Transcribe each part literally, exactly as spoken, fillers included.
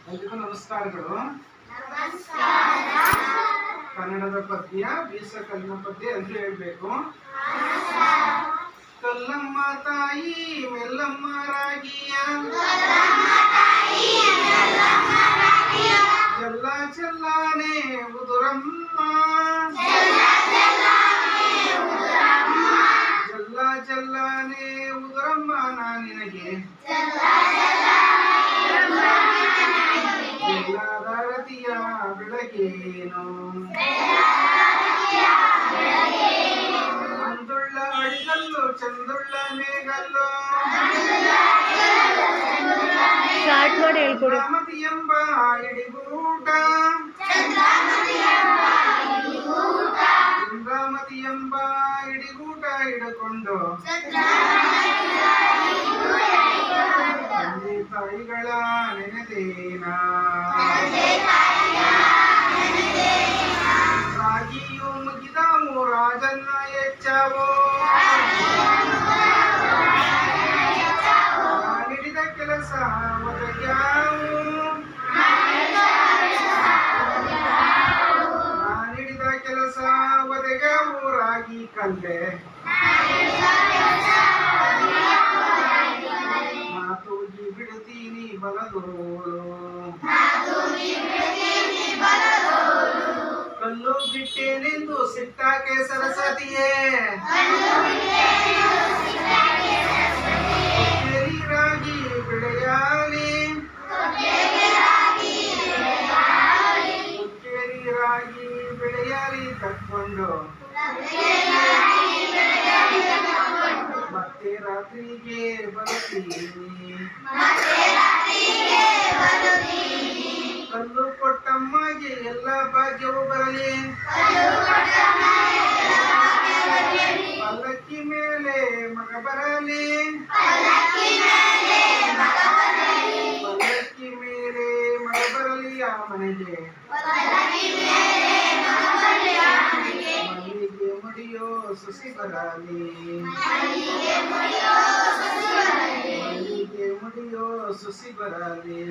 ಎಲ್ರಿಗೂ ನಮಸ್ಕಾರಗಳು. ಕನ್ನಡದ ಪದ್ಯ ಬೀಸಕಲ್ಲಿನ ಪದ್ಯ ಎಂದು ಹೇಳಬೇಕು. ಕಲ್ಲಮ್ಮ ತಾಯಿ ಮೆಲ್ಲಮ್ಮ ರಾಗಿಯ ಜಲ್ಲ ಜಲ್ಲಾನೆ ಉದುರಮ್ಮ ಜಲ್ಲ ಜಲ್ಲಾನೆ ಉದುರಮ್ಮ ನಾನಿನಗೆ ಎಲ್ಲಾರತಿಯ ಬೆಳಗೇನು ಅಂದುಳ್ಳ ಅಡಿಗಲ್ಲು ಚಂದುಳ್ಳ ಮೇಗಲ್ಲು ಚಂದ್ರಾಮತಿ ಎಂಬ ಇಡಿಗೂಟ ಚಂದ್ರಾಮತಿ ಎಂಬ ಇಡಿಗೂಟ ಹಿಡ್ಕೊಂಡು ತಂದೆ ತಾಯಿಗಳ ನೆನೆದೇನ ರಾಗಿಯು ಮುಗಿದವು ರಾಜನ್ನ ಹೆಚ್ಚಾವು ನಾನಿಡಿದ ಕೆಲಸ ಒದಗ್ಯಾವು ನಾನಿಡಿದ ಕೆಲಸ ಒದಗ್ಯಾವು ರಾಗಿ ಕಲ್ಲೆ ಮಾತೂಗಿ ಬಿಡುತ್ತೀನಿ ಬಲದೋಳು ಕಲ್ಲು ಬಿಟ್ಟೇನೆಂದು ಸಿಟ್ಟಾಕೆ ಸರಸ್ವತಿಯೇ ರಾಗಿ ಬೆಳೆಯಾಲಿ ಉಕ್ಕೇರಿ ರಾಗಿ ಬೆಳೆಯಾಲಿ ತಕ್ಕೊಂಡು ಮತ್ತೆ ರಾತ್ರಿಗೆ ಬರುತ್ತೀನಿ ಕಲ್ಲು ಕೊಟ್ಟಮ್ಮಗೆ ಎಲ್ಲ ಭಾಗ್ಯವು ಬರಲಿ ಪಲ್ಲಕ್ಕಿ ಮೇಲೆ ಮಗ ಬರಲಿ ಪಲ್ಲಕ್ಕಿ ಮೇಲೆ ಮಗ ಬರಲಿ ಆ ಮನೆಗೆ ಮಲ್ಲಿಗೆ ಮುಡಿಯೋ ಸುಸಿ ಬರಲಿ ಮಲ್ಲಿಗೆ ಮುಡಿಯೋ ಸುಸಿ ಬರಲಿ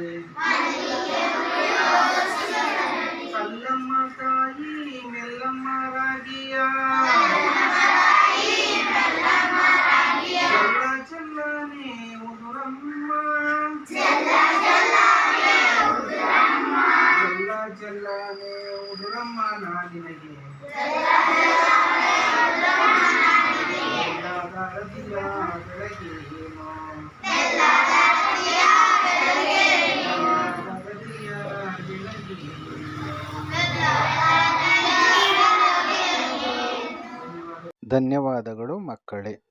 ಕಲ್ಲಮ್ಮ ತಾಯಿ ಮೆಲ್ಲಮ್ಮ ರಾಗಿಯ ಜಲ್ಲ ಜಲ್ಲಾನೆ ಉದುರಮ್ಮ ಜಲ್ಲ ಜಲ್ಲಾನೆ ಉದುರಮ್ಮ ನಾನಿನಗೆ ಎಲ್ಲಾರತಿಯ ಬೆಳಗೇನು ಧನ್ಯವಾದಗಳು ಮಕ್ಕಳೇ.